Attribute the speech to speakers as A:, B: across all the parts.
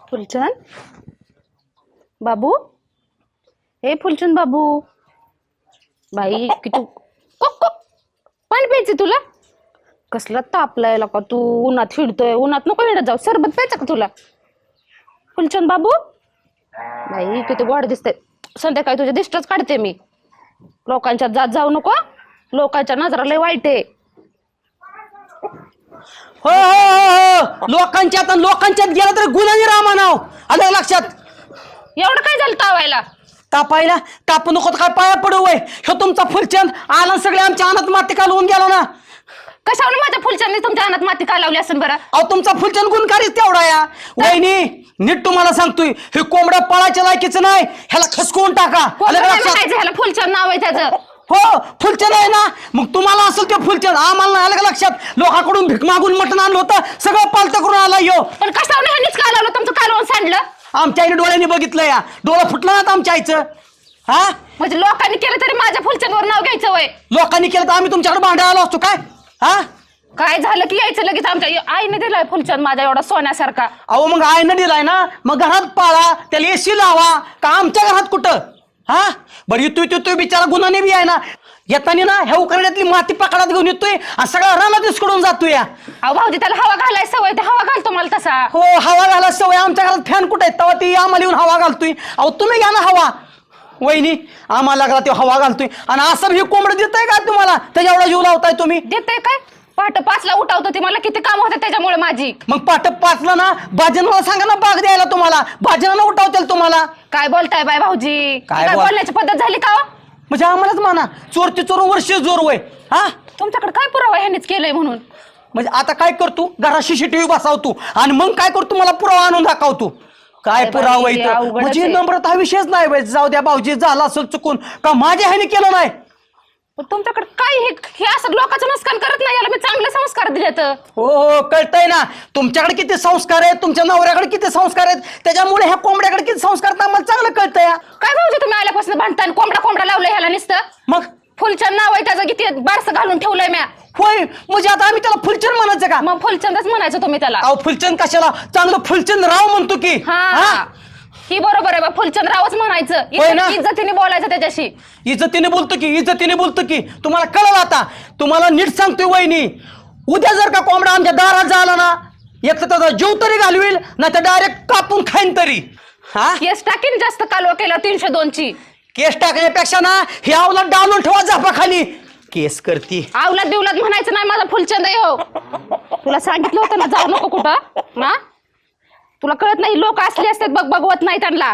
A: फुलचंद बाबू, हे फुलचंद बाबू, बाई की तू पाणी प्यायचे तुला? कसला तापलाय का तू? उन्हात फिरतोय, उन्हात नको येणं जाऊ, सरबत प्यायचं का तुला? फुलचंद बाबू, बाई किती गोड दिसते. संध्याकाळी तुझ्या दिष्टच काढते मी. लोकांच्यात जात जाऊ नको, लोकांच्या नजरा लय वाईट आहे.
B: हो हो हो, लोकांच्यात गेला तर गुन्हा रामा नाव आलं लक्षात.
A: एवढं काय झालं तावायला?
B: तापायला तापू नको काय पाया पडू वय. ह्यो तुमचा फुलचंद आला सगळे आमच्या अनात माती कालवून गेला ना.
A: कशावर माझ्या फुलचंदने तुमच्या अनात माती का लावली असेल बरं?
B: अहो तुमचा फुलचंद गुणकारीच तेवढा या. वहिनी नीट तुम्हाला सांगतोय, हे कोंबडा पळायच्या लायकीचं नाही, ह्याला खसकवून टाका. आलं का लक्षात?
A: ह्याला फुलचंद नाव आहे त्याचं.
B: हो फुलचंद आहे ना, मग तुम्हाला असेल ते फुलचंद, आम्हाला नाही. आलं का लक्षात? लोकांकडून भीक मागून मटण आणलं होतं, सगळं पालतं करून आला यो.
A: पण कशावर ह्यांनीच का लावलं तुमचं कालवून सांडलं?
B: आमच्या आईने डोळ्यांनी बघितलं या. डोळा फुटला ना आमच्या आईचं. हा
A: म्हणजे लोकांनी केलं तरी माझ्या फुलचंदवर नाव घ्यायचं वय?
B: लोकांनी केलं तर आम्ही तुमच्याकडे भांडायला आलो असतो काय? हा
A: काय झालं की यायचं लगेच आमच्या आईने दिलाय फुलचंद माझ्या एवढा सोन्यासारखा.
B: अहो मग आईनं दिलाय ना, मग घरात पाळा, त्याला एसी लावा का आमच्या घरात कुठं? हा बरं येतोय बिचारा गुन्हाने बी आहे ना. येताना ना ह्या उकरड्यातली माती पकडात घेऊन येतोय आणि सगळा रानात इसकडून जातोय.
A: अहो भाऊजी, त्याला हवा घालाय सवय, ते हवा घालतो मला तसा.
B: हो हवा घाला सवय. आमच्या घरात फॅन कुठे आहेत तेव्हा ती आम्हाला येऊन हवा घालतोय. अहो तुम्ही घ्या ना हवा. वहिनी आम्हाला लागला ते हवा घालतोय आणि असं हे कोंबडं देतंय का तुम्हाला? त्याच्या एवढा जीव लावताय तुम्ही?
A: देते काय? पहाटे 5ला उठावतो ती, मला किती काम होते त्याच्यामुळे माझी.
B: मग पाठ 5ला ना भाजनाला सांगा ना बाग द्यायला तुम्हाला. भाजनाला उठावतील तुम्हाला.
A: काय बोलताय बाय भाऊजी?
B: काय
A: बोलण्याची पद्धत झाली का?
B: म्हणजे आम्हालाच म्हणा चोरची चोर वर्ष जोर वय. हा
A: तुमच्याकडे काय पुरावा ह्यांनीच केलंय म्हणून?
B: म्हणजे आता काय करतो? घरात सीसीटीव्ही बसावतो आणि मग काय करतो? मला पुरावा आणून दाखवतो. काय पुरावा इथं? म्हणजे नम्रता हा विषयच नाही बाई. जाऊ द्या भाऊजी, झाला असेल चुकून का माझ्या ह्याने केलं नाही.
A: तुमच्याकडे काय हे असं लोकांचं नुकसान करत नाही, याला मी चांगले संस्कार दिले तर.
B: हो हो कळतंय ना, तुमच्याकडे किती संस्कार आहेत, तुमच्या नवऱ्याकडे किती संस्कार आहेत, त्याच्यामुळे ह्या कोंबड्याकडे किती संस्कार आहेत आम्हाला चांगलं कळतंय.
A: काय भाऊजी तुम्ही आल्यापासून भांडताय, कोंबडा लावलंय ह्याला नुसतं?
B: मग
A: फुलचंद नाव आहे त्याचं, किती बारसं घालून ठेवलंय म्या.
B: होय म्हणजे आता आम्ही त्याला फुलचंद म्हणायचं का?
A: मग फुलचंदच म्हणायचं तुम्ही त्याला.
B: अहो फुलचंद कशाला? चांगलं फुलचंद राव म्हणतो की.
A: हा ही बरोबर आहे बा, फुलचंद रावच म्हणायचं. इज्जतीने बोलायचं त्याच्याशी.
B: इज्जतीने बोलतो की तुम्हाला कळलं आता. तुम्हाला नीट सांगतोय वहिनी, उद्या जर का कोंबडा आमच्या दारात झाला ना, एक तर त्याचा जीव तरी घालवील, नाही तर डायरेक्ट कापून खाईन तरी. हा
A: केस टाकीन जास्त कालवा केला 302ची.
B: केस टाकण्यापेक्षा ना हे अवलाद डालून ठेवा झापा खाली. केस करती
A: आवलाद बिवलाद म्हणायचं नाही, माझा फुलचंद आहे हो. तुला सांगितलं होतं ना जाऊ नको कुठं ना. तुला कळत नाही, लोक असले असतात बघवत नाही त्यांना.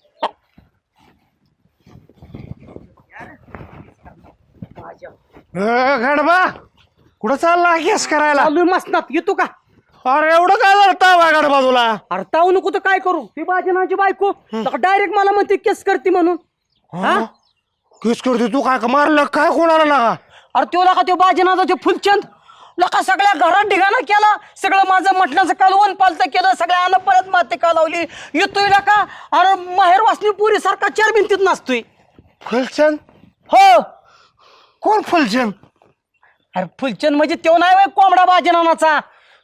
C: गडबा कुठं चालला केस करायला?
B: चालू मसनात येतो का?
C: अरे एवढं काय झालं गडबा तुला?
B: अरे ताऊ नको तर काय करू? ती बाजनाची बायको डायरेक्ट मला म्हणते केस करते म्हणून.
C: हा केस करते तू? काय मारलं काय कोणाला लागा?
B: अरे तो लका तो बाजनाचा तो फुलचंद लका सगळ्या घरात ढिगाणा केला, सगळं माझं मटणाचं कालवण पालतं केलं, सगळ्या परत माती का लावली. येतोय लका अरे माहेर वासनी पुरी सारखा 4 भिंतीत नसतोय.
C: फुलचंद?
B: हो
C: कोण फुलचंद?
B: अरे फुलचंद म्हणजे तो नाही होय कोंबडा बाजनाचा.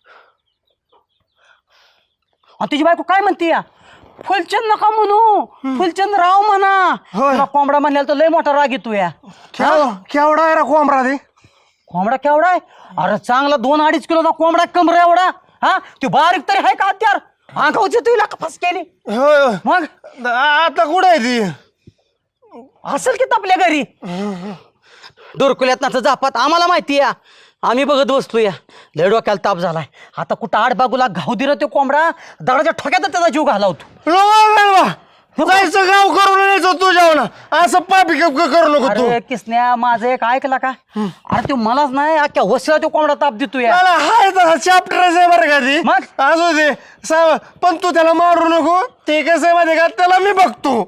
B: तुझी बायको काय म्हणते या? फुलचंद नका म्हणू, फुलचंद राव म्हणा. तुला कोंबडा म्हणल्याला तर लय मोठा राग येतो या.
C: केवढा आहे रा कोंबडा ते?
B: कोंबडा केवढा आहे? अरे चांगला 2-2.5 किलोचा कोंबडा, कमरा एवढा. हा तू बारीक तरी आहे का हत्यार? अंगावची तुला कपास केली. मग
C: आता कुठं आहे ती?
B: असेल की आपल्या घरी डोरकुल्यात जापात. आम्हाला माहिती आहे, आम्ही बघत बसतो या. लय डोक्याला ताप झालाय. आता कुठं आडबागूला घाव दिला तो कोंबडा, दगडाच्या ठोक्यात त्याचा जीव घालावतो.
C: जायचं गाव करून यायचं तुझ्यावर, असं पापी करू नको तू.
B: अरे किसन्या माझं एक ऐकला का? अरे तो मलाच नाही अख्ख्या वसला तो कोंबडा ताप देतो या.
C: हाय तसा चॅप्टरच आहे बरं का ती.
B: मग
C: असू दे पण तू त्याला मारू नको. ते कसं आहे माहिती का, त्याला मी बघतो.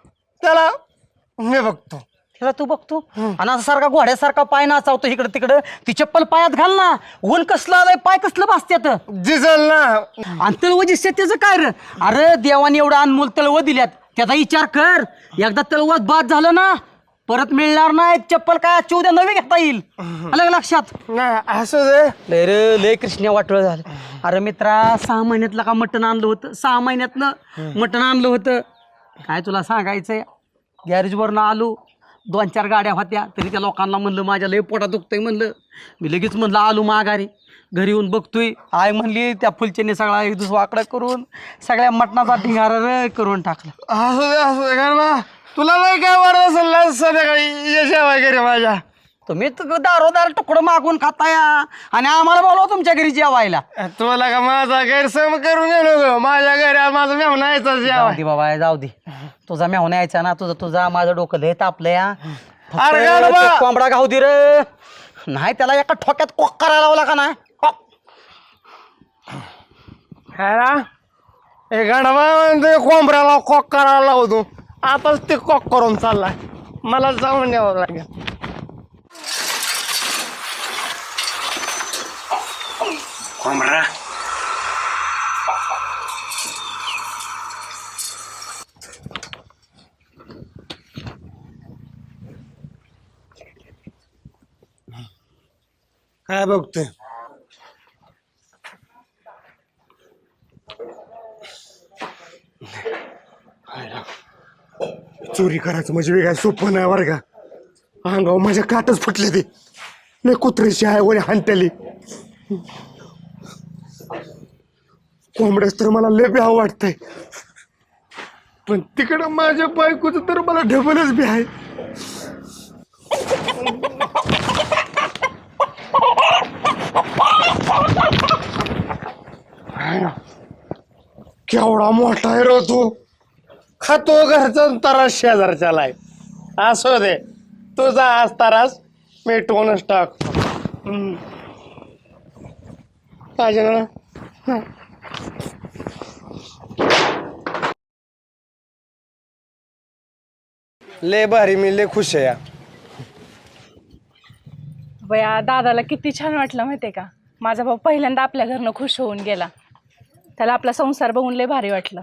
B: त्याला तू बघतो आणि असं सारखा घोड्यासारखा पाय नाचावतो इकडं तिकडं. ती चप्पल पायात घाल ना, ऊन कसलं आलंय, पाय कसलं भासत्यात.
C: दिसल ना.
B: आणि तळव दिसते त्याचं काय रे? अरे देवाने एवढं अनमोल तळव दिल्यात, त्याचा विचार कर. एकदा तळवत बाद झालं ना परत मिळणार नाही. चप्पल काय आजची उद्या नवी घेता येईल. आलं लक्षात?
C: नाही असू दे.
B: लय रे लय कृष्ण वाटळ झालं. अरे मित्रा 6 महिन्यातलं का मटण आणलं होतं, 6 महिन्यातनं मटण आणलं होतं. काय तुला सांगायचंय, गॅरेजवरनं आलो, 2-4 गाड्या होत्या, तरी त्या लोकांना म्हणलं माझ्या लय पोटात दुखतंय म्हणलं. मी लगेच म्हणलं आलो माघारी. घरी येऊन बघतोय, आई म्हणली त्या फुलचेने सगळा एक दुसरा वाकडा करून सगळ्या मटणाचा ढिंगारा करून टाकला.
C: असू दे कारण तुला नाही काय वाटत असेल ना संध्याकाळी यशा वगैरे माझ्या.
B: तुम्ही दारोदार तुकडं मागून खाताया आणि आम्हाला बोलवा तुमच्या घरी जेवायला.
C: तुला का माझा गैरसम करून गेलो माझ्या घरी आज माझा मेहना यायचा
B: जाऊ दे बाबा, जाऊ दे. तुझा मेहून यायचा ना, तुझा माझं डोकं लय तापलं या.
C: अरे गाढवा!
B: कोंबडा गाव दे रे, नाही त्याला एका ठोक्यात कोक करायला लावला का नाही.
C: गाढवा म्हणते कोंबड्याला कॉक करायला लावतो, आताच ते कॉक करून चाललाय, मला जाऊन यावं लागेल. कोंबडा काय बघतोय? चोरी करायचं म्हणजे काय सोपं नाही बरं का. अंगावर माझ्या काटच फुटले ते, नाही कुत्र्याची आहे वरी हांटली. कोंबड्याच तर मला लय भ्याव वाटतंय, पण तिकडं माझ्या बायकोचं तर मला ढबलच बी आहे. केवढा मोठा आहे रो तू, खातो घरचा तरास शेजारच्याला आहे. असो दे, तुझा आज तरास मिटवूनच टाक. पाहिजे ना. ले भारी, मी लय खुश आहे या.
D: बया दादाला किती छान वाटलं माहितीये का. माझा भाऊ पहिल्यांदा आपल्या घरनं खुश होऊन गेला, त्याला आपला संसार बघून लय भारी वाटलं.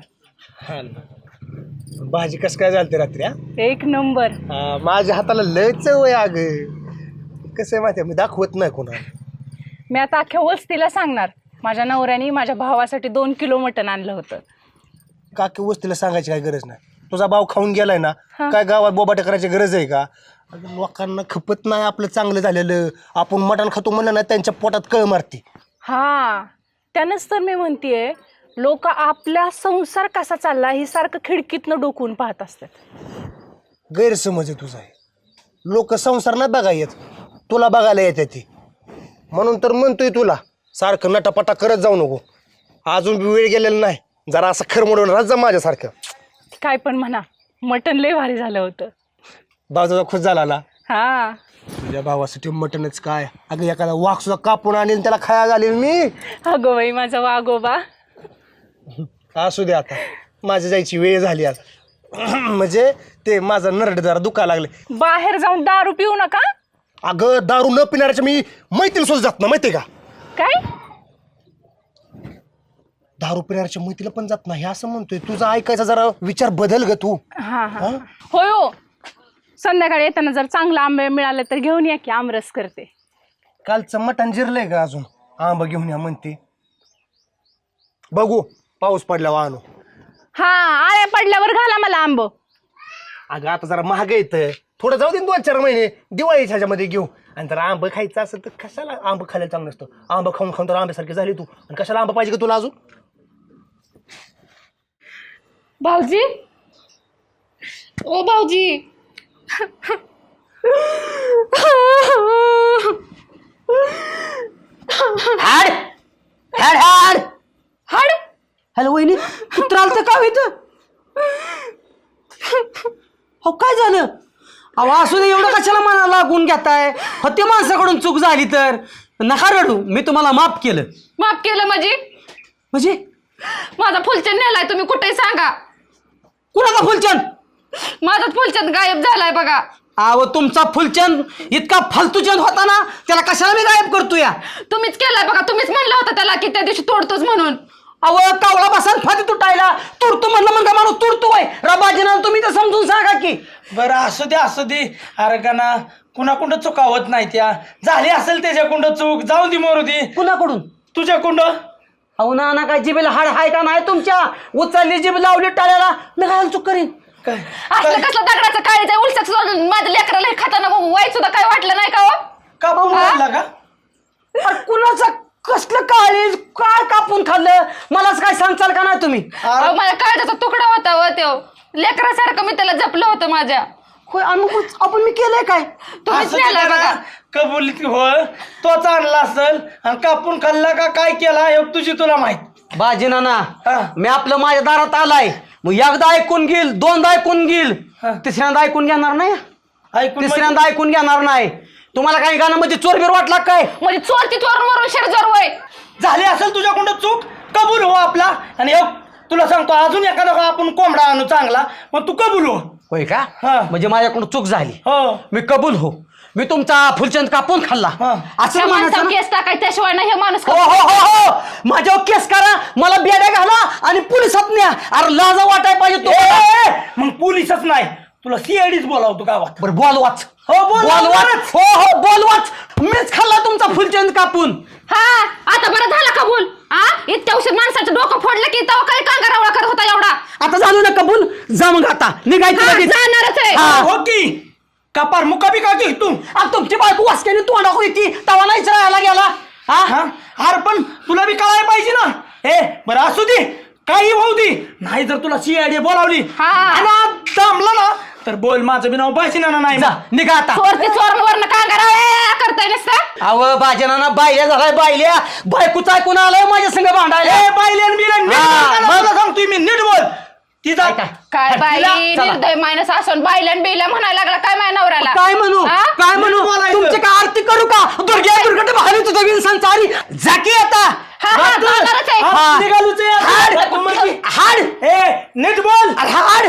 C: भाजी कस काय झालते रात्री?
D: एक नंबर.
C: माझ्या हाताला लय चव आहे अग. कसं आहे माहिती, मी दाखवत नाही कोणाला.
D: मी आता अख्ख्या वस्तीला सांगणार, माझ्या नवऱ्याने माझ्या भावासाठी 2 किलो मटण आणलं होतं.
C: काकी वस्तीला सांगायची काय गरज नाही, तुझा भाव खाऊन गेलाय ना, काय गावात बोबाटा करायची गरज आहे का? लोकांना खपत नाही आपलं चांगलं झालेलं, आपण मटण खातो म्हणलं ना त्यांच्या पोटात कळ मारते.
D: हा, त्यानंच तर मी म्हणतेय, लोक आपला संसार कसा चालला ही सारखं खिडकीतनं डोकून पाहत असतात.
C: गैरसमज आहे तुझा. लोक संसार नाही बघा येत, तुला बघायला येते ती. म्हणून तर म्हणतोय तुला सारखं नटापटा करत जाऊ नको. अजून बी वेळ गेलेला नाही, जरा असं खरमडून राहत जा माझ्यासारखं.
D: काय पण म्हणा, मटण लय भारी झालं होतं.
C: भाऊ खुश झाला ना.
D: हा,
C: तुझ्या भावासाठी मटणच काय, अगं एखादा वाघ सुद्धा कापून आणेल त्याला खाया घालेल मी.
D: अगो बाई माझा वागोबा.
C: असू दे, आता माझी जायची वेळ झाली आता. म्हणजे ते माझं नरड जरा दुखायला लागले.
D: बाहेर जाऊन दारू पिऊ नका.
C: अगं दारू न पिणाऱ्याच्या मी मैत्रीला सुद्धा जात ना, माहितीये का?
D: काय?
C: दारू पिणाऱ्याच्या मैत्रीला पण जात नाही असं म्हणतोय. तुझा ऐकायचा जरा विचार बदल ग तू.
D: हा हा, होय हो. संध्याकाळी येताना जर चांगला आंबे मिळाले तर घेऊन या की, आमरस करते.
C: कालचं मटण जिरलंय का अजून? आंबा घेऊन या म्हणते. बघू पाऊस पडल्यावर आणू.
D: हा, आळ्या पडल्यावर घाला मला आंब.
C: अगं आता जरा महाग येतं, थोडं जाऊ दे 2-4 महिने, दिवाळीच्या ह्याच्यामध्ये घेऊ. आणि जर आंबा खायचं असेल तर कशाला आंबा खायला चांगलं नसतं. आंबा खाऊन खाऊन तर आंब्यासारखी झाली तू, आणि कशाला आंबा पाहिजे का तुला अजून?
D: भाऊजी, ओ भाऊजी.
B: हाड हाड हाड
D: हाड.
B: हॅलो वहिनी, कुत्रा आलं तर काय होतं? हो काय झालं? अहो असू दे, एवढं कशाला मनाला लागून घेताय? हो ते माणसाकडून चूक झाली तर नका रडू, मी तुम्हाला माफ केलं.
A: माफ केलं
B: म्हणजे
A: माझा फुलचंद नेलाय, तुम्ही कुठेही सांगा.
B: कुणाचा फुलचंद?
A: माझा फुलचंद गायब झालाय बघा.
B: अहो तुमचा फुलचंद इतका फालतूचंद होता ना, त्याला कशाला मी गायब करतो या?
A: तुम्हीच केलाय बघा, तुम्हीच म्हणलं होतं त्याला की त्या दिवशी तोडतोच म्हणून.
B: अहो कावळा बसान फाती तुटायला, तुडतो म्हणलं म्हणजे माणूस तुडतोय. रबाजीना तुम्ही तर समजून सांगा की.
E: बरं असू दे. अरे का ना, कुणाकुंड चुका होत नाही, त्या झाली असेल त्याच्याकुंड चूक, जाऊ दे मरू दे.
B: कुणाकडून?
E: तुझ्याकुंड.
B: अहो ना काय जिबेला हाड हाय का नाही तुमच्या? उचलली जिब लावली टाळ्याला, मी काय चूक करीन?
E: काय
A: असलं कसलं दगडाचं काळीचं उलसच माझ्या लेकराला हे खाताना वाईट सुद्धा काय वाटलं नाही का हो?
E: कापून मारला का?
B: अरे कुणाचं कसलं काळीज काय कापून खाल्लं मलाच काय सांगचाल का नाही तुम्ही?
A: अहो, माझ्या काळजाचा तुकडा होता हो तो. लेकरासारखं मी त्याला जपलं होतं माझ्या.
B: होय आपण मी केलंय काय?
A: तुम्हीच
E: असं
A: नेला
E: ते
A: बघा.
E: का कबुलीत हो तोच आणला असेल आणि कापून खाल्ला का काय केला हे तुझी तुला माहित.
B: बाजी नाना
E: हा.
B: मी आपलं माझ्या दारात आलाय, मग एकदा ऐकून घेईल, दोनदा ऐकून घेईल,
E: हा.
B: तिसऱ्यांदा ऐकून घेणार नाही,
E: ऐकून
B: तिसऱ्यांदा ऐकून घेणार नाही. तुम्हाला काही गाणं म्हणजे चोरबीर वाटला काय?
A: म्हणजे चोरती चोरून मरून शेरजोर वय.
E: झाली असेल तुझ्याकडून चूक, कबूल हो आपला. आणि हो, तुला सांगतो अजून एखादा आपण कोंबडा आणू चांगला, मग तू कबूल हो.
B: होय का?
E: हा.
B: म्हणजे माझ्याकडून चूक झाली,
E: हो
B: मी कबूल हो. मी तुमचा फुलचंद कापून खाल्ला
E: हा.
B: असं
A: त्या
B: म्हणायचं
A: माणसावर
B: ना?
A: केस टाकाय त्याशिवाय नाही हे माणूस.
B: हो हो हो हो माझ्यावर केस करा, मला बेड्या घाला आणि पोलिसात न्या. अरे लाजा वाटाय पाहिजे तुम्हाला.
E: मग पोलिसच नाही, तुला सीआयडीच बोलावतो गावात.
B: बरं बोलवाच.
E: हो,
B: बोलवाच. हो हो बोलवाच. मीच खाल्ला तुमचा फुलचंद कापून.
A: हा आता बरं झालं कबूल. हा इतक्या उशीर माणसाचं डोकं फोडलं की तेव्हा काही कांगारावळा करत होता एवढा.
B: आता झालो ना कबूल, जा मग आता निघायचं
A: हा,
B: लगेच.
A: जाणारच आहे.
B: हा.
E: हो की कपार मुका बी का तू
B: आता तुमची बायको वासक्याने तोंडा होती तवा नाहीच राहायला गेला. हा
E: हा अरे पण तुला बी कळायला पाहिजे ना. बरं असू दे, काही होऊ दे. नाही जर तुला सीआयडी बोलावली
A: हा.
E: आणि दमला ना तर बोल, माझं बी नाव बायसिना नाही.
B: जा निघा आता.
A: चोरती चोरवरनं कांगारावळा करताय नसता.
B: अव बाजनाना बायल्या झालाय, बायल्या बायकोचा ऐकून आलाय माझ्या संग भांडायला.
E: बायलेन बिलेन नीट
B: हा,
E: बोल ना, तुला सांगतोय मी, नीट बोल. ती जा
A: काय बाई
B: चला.
A: निर्दय मायनस असून बायल्यान बिल्या म्हणायला लागला काय माझ्या नवऱ्याला.
B: काय म्हणू
A: हा?
B: काय म्हणू?
E: बोलायचं.
B: तुमची काय आरती करू का? दुर्ग्या दुर्गट भारी तुझं विन चारी जाकी आता.
A: हा, हा, जाणारच आहे.
B: हा.
E: निघालूच
B: हाड.
E: आहे.
B: हाड.
E: नीट बोल.
B: अरे हाड.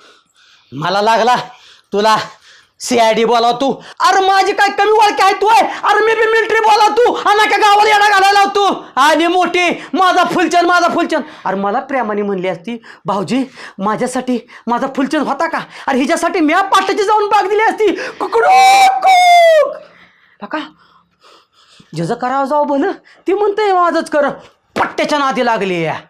B: मला लागला तुला सीआयडी बोलाव तू. अरे माझी काय कमी ओळख आहे तू आहे? अरे मी बी मिलिटरी बोलाव तू आणि का गावाला येडा घालायला तू. आणि मोठी माझा फुलचंद माझा फुलचंद. अरे मला प्रेमाने म्हणली असती भाऊजी माझ्यासाठी माझा फुलचंद होता का? अरे हिच्यासाठी मी पाटाची जाऊन बाग दिली असती. का जसं करावं जाऊ भलं ती म्हणते माझंच कर. पट्ट्याच्या नादी लागली या.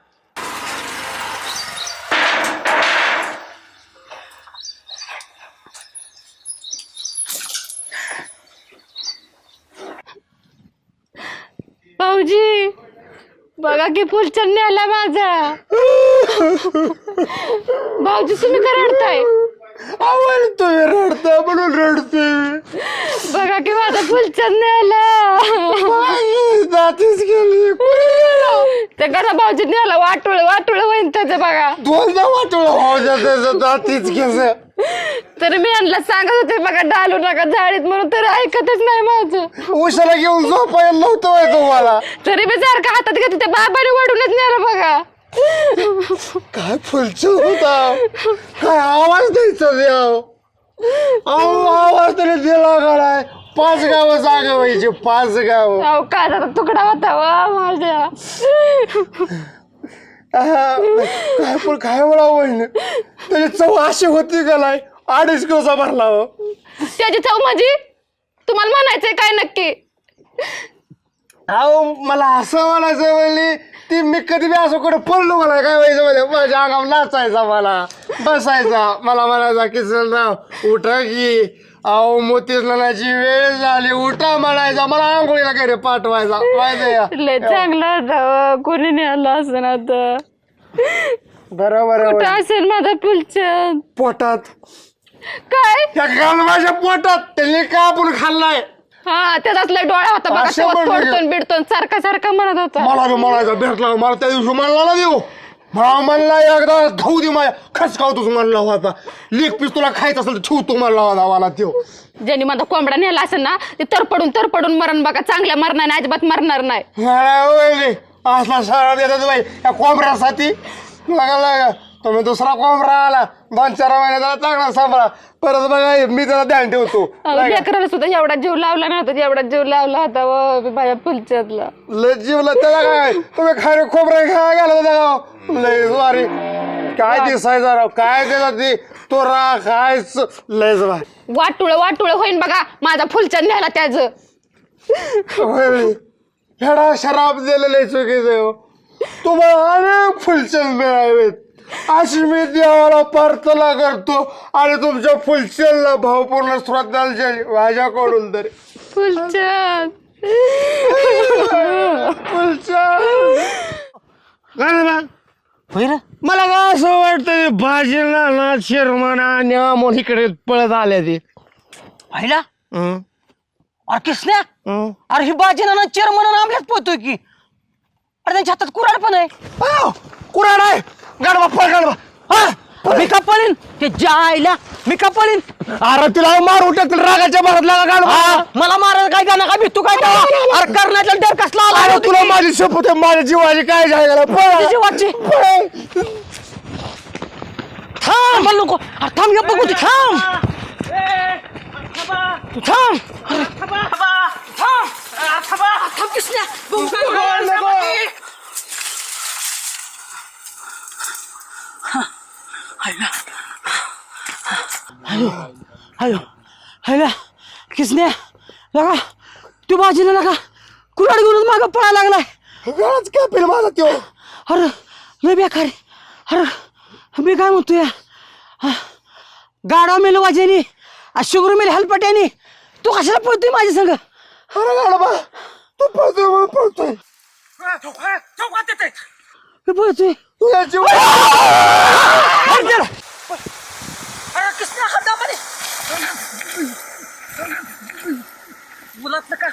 A: भाऊजी बघा की फुलचंद आला माझा. भाऊजी तुम्ही का रडताय?
C: आवडतोय रडता म्हणून रडतोय.
A: बघा की माझा फुलचंद आला.
C: जातीच गेली.
A: ते कसा भाऊजी नेला वाटोळ वाटोळ होईन त्याचं बघा.
C: दोनदा वाटलं हो त्याचं जातीच केस.
A: तरी मी यांना सांगत होते बघा डालू नका झाडीत म्हणून, तरी ऐकतच नाही माझं.
C: उशाला घेऊन झोपायला नव्हतं तुम्हाला.
A: तरी मी सारखं हातात घेत होते, बाबाने वडूनच नेलं बघा.
C: काय फुलचंद होता, काय आवाज द्यायचा देव. आवाज तरी दिला गडाय. 5 गावं जागा व्हायची, 5 गावं.
A: अहो काळजाचा तुकडा होता वा माझ्या.
C: काय पण काय मला आवडलं त्याची चव अशी होती का नाही. 2.5 किलोचा भरला हो.
A: त्याची चव म्हणजे तुम्हाला म्हणायचंय काय नक्की?
C: अहो मला असं म्हणायचं म्हणली ती मी कधी बी असं कुठे पडलो मला काय व्हायचं म्हणजे माझ्या अंगावर नाचायचा, मला बसायचा, मला म्हणायचा किसनराव उठा की. अहो मोतीच नानाची वेळ झाली उठा म्हणायचा, मला आंघोळीला घरी पाठवायचा. माहिती
A: लय चांगला होता, कोणी नेला असं आता.
C: बरोबर
A: कुठं असेल माझा फुलचंद?
C: पोटात.
A: काय
C: त्या गालवाच्या पोटात त्यांनी का आपण खाल्लाय.
A: हा त्याचाच लय डोळा होता बघा.
C: असं
A: शेवट
C: म्हणलं.
A: फोडतोन बिडतोन सारखा सारखा म्हणत होता.
C: मला बी म्हणायचा भेटला मला त्या दिवशी म्हणला ना देऊ. मला म्हणला एकदा खाऊ दे माझ्या खसकावतोच म्हणला होता. लेग पीस तुला खायचं असेल तर ठेवतो म्हणला होता मला त्यो.
A: ज्यांनी माझा कोंबडा नेला असेल ना ते तरपडून मरण बघा. चांगल्या मरणार नाही, अजिबात मरणार नाही.
C: असला सगळा देतात बाई या कोंबड्यासाठी. लागा तुम्ही दुसरा कोंबडा आला 2-4 महिन्याचा चांगला सांभाळा. परत बघा मी त्याला ध्यान ठेवतो.
A: लेकराला सुद्धा एवढा जीव लावला नव्हता, एवढा जीव लावला होता व माझ्या फुलचंदला.
C: लय जीवला त्याला काय तुम्ही खारे खोबरे खायला गेला होता लय वारी. काय दिसायचा राव काय देतात ती तो रा खायच लयच बाय.
A: वाटुळ होईन बघा माझा फुलचंद न्यायला त्याचं.
C: हेडा शराब दिलेलं चुकीचं. तुम्हाला अनेक फुलचंद मिळावेत अशी मी देवाला प्रार्थना करतो आणि तुमच्या फुलचंदला भावपूर्ण श्रद्धांजली माझ्याकडून तरी.
A: फुलचंद
C: मला काय असं वाटतं भाजीला ना शिरमणा आणि अमोल इकडे पळत आल्या ते
B: पाहिला अरे किसन्या अरे ही बाजीना चेअरमन आमल्याच पोहतोय की अरे त्यांच्या हातात कुऱ्हाड पण आहे.
C: कुराड आहे गाडवा पळ गाडवा.
B: मी का पळीन ते जायला मी का पळीन
C: अरे तिला मारू टाकतील रागाच्या भरात लागा गाडवा.
B: मला मारायला काय गाणं काय भीतू काय तेव्हा? अरे करण्याचा डर कसला आला
C: अरे
B: होता
C: तुला
B: की?
C: माझी शपथ आहे माझ्या जीवाची काय जायला
B: तुझी वाटची थांब मला नको अरे थांब ये बघू ती थांब तू थांब थांब किसन्या बघू काय अयो अयो किसने लगा तू बाजीला लगा कुराड घेऊन मागं पळायला लागलाय.
C: गळाच कापेल माझा त्यो.
B: अरे लय बेकार आहे. अरे मी काय म्हणतोय गाडा मेल वाजेनी शुगर मेल हलपट्यानी तू कशाला पळतोय माझ्या संग.
C: अरे गाडवा तू पळतोय म्हणून पळतोय
B: मी पळतोय
C: तुझ्या जीव
B: मुलात का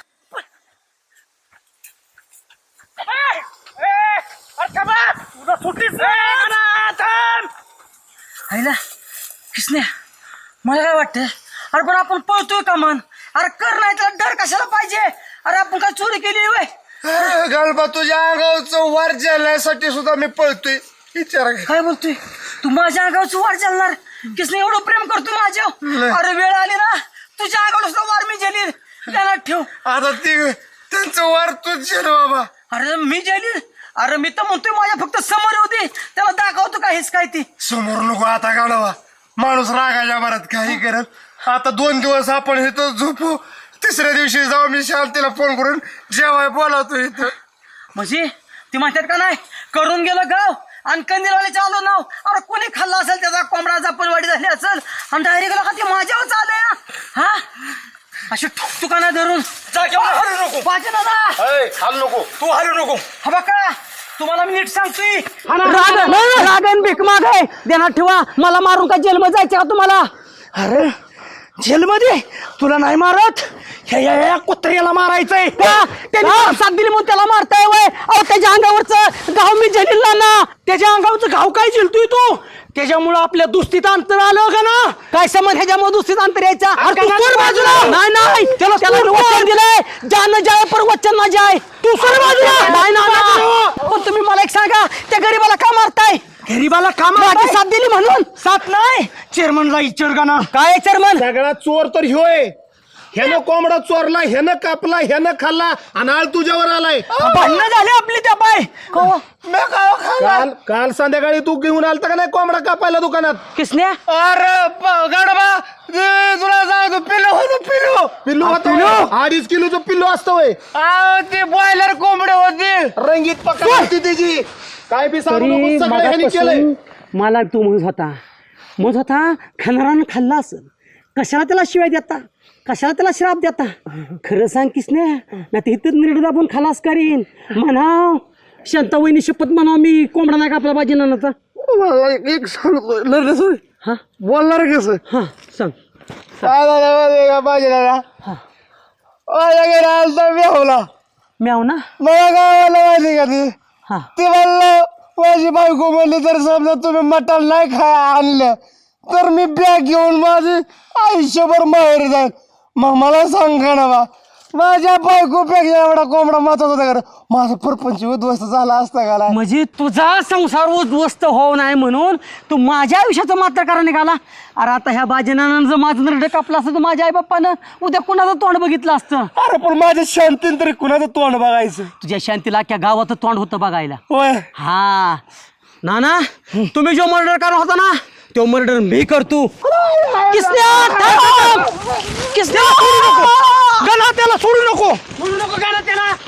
B: आईला किसने मला काय वाटतं अरे पण आपण पळतोय का मन अरे कर नाही तर डर कशाला पाहिजे. अरे आपण काय चोरी केली वय
C: गाडवा तुझ्या अंगावरचं वार जाण्यासाठी सुद्धा मी पळतोय विचार
B: काय बोलतोय तू माझ्या अंगावरचं वार चालणार किसने एवढं प्रेम करतो माझ्या अरे वेळ आली ना तुझ्या अंगावर सुद्धा वार मी जेलील ध्यानात ठेव.
C: आता ती त्यांचं वार तूच जेल बाबा.
B: अरे मी जेलील अरे मी तर म्हणतोय माझ्या फक्त समोर होती त्याला दाखवतो का हेच काय ती
C: समोर नको आता गाडवा माणूस रागाच्या भरात काही करत आता 2 दिवस आपण इथं झोपू तिसऱ्या दिवशी जाऊ मी शांतीला फोन करून जेवाय बोलावतो इथं.
B: म्हणजे ती म्हणतात का नाही करून गेलं गाव आणि कंदीलवाले चालू नाव अरे कोणी खाल्ला असेल त्याचा कोंबडा जापलवाडी झाली असेल आणि डायरेक्ट का ती माझ्यावर चालू हा अशी ठुकठुकाना धरून पाहिजे ना
E: हालू नको तू हालू नको.
B: हा बघा तुम्हाला मी नीट सांगतोय रागन भीक माग आहे देण्यात ठेवा. मला मारून का जेलमध्ये जायचं का तुम्हाला.
E: अरे जेलमध्ये तुला नाही मारत ह्या कुत्र्याला मारायचंय
B: का त्याने साथ दिली म्हणून त्याला मारताय वय अहो त्याच्या अंगावरचं घाव मी झेलीला ना
E: त्याच्या अंगावरचं घाव काय झेलतोय तू त्याच्यामुळं आपल्या दुस्तीत अंतर आलं का ना.
B: काय समज ह्याच्यामुळे दुसरीच अंतर यायचा
E: अरे तू सोड बाजूला.
B: नाही नाही त्याला वचन दिलंय जान जाय पर वचन ना जाय
E: तू सोड बाजूला.
B: नाही ना पण तुम्ही मला एक सांगा त्या गरीबाला का मारताय.
E: गरीबाला काम
B: माझी साथ दिली म्हणून
E: साथ नाही चेअरमनला विचार का ना.
B: काय चेअरमन
C: सगळा चोर तर ह्योय. ह्यानं कोंबडा चोरला ह्यानं कापला ह्यानं खाल्ला आणि आळ तुझ्यावर आलाय.
B: भांडणं झाले आपली त्या पाय
C: काल काल संध्याकाळी तू घेऊन आलता का नाही कोंबडा कापायला दुकानात.
B: किसन्या
C: अरे गाडवा तुला सांगतो पिल्लू होतं पिल्लू होतं 2.5 किलोचं पिल्लू असतं वय. ते बॉयलर कोंबडे होते रंगीत पकड होती त्याची काय बी सांगू नको, सगळं ह्यानी केलंय.
B: मला तू म्हणत होता खाणारानं खाल्ला असेल कशाला त्याला शिवाय देता कशाला त्याला श्राप देता. खरं सांग किसने ना ते इथं निर्णय दाबून खलास करीन म्हणाव शांता वहिनी शपथ म्हणाव मी कोंबडा नाही कापला पाहिजे ना आता.
C: मला एक सांगतो लढलं
B: हा
C: बोलणार कसं
B: हा सांग
C: पाहिजे ना
B: म्याव ना
C: मला काय माहिती का ती
B: हा
C: ते म्हणलं माझी बायको म्हणली तर समजा तुम्ही मटण नाही आणलं तर मी बॅग घेऊन माझी आयुष्यभर माहेर जाईल. मग मला सांगा ना बा माझ्या बायकोपेक्षा एवढा कोंबडा महत्वाचा होता का माझा परपंच उद्ध्वस्त झाला असता का.
B: म्हणजे तुझा संसार उद्ध्वस्त होऊ नये म्हणून तू माझ्या आयुष्याचं मात्र करा निघाला. अरे आता ह्या बाजीनानं जर माझं नरडं कापलं असतं तर माझ्या आई बाप्पानं उद्या कुणाचं तोंड बघितलं असतं.
C: अरे पण माझ्या शांतीन तरी कुणाचं तोंड बघायचं.
B: तुझ्या शांतीला अख्ख्या गावाचं तोंड होतं बघायला.
C: होय
B: हा ना तुम्ही जो मर्डर करणार होता ना तो मर्डर मी करतो.
E: गणा त्याला सोडू नको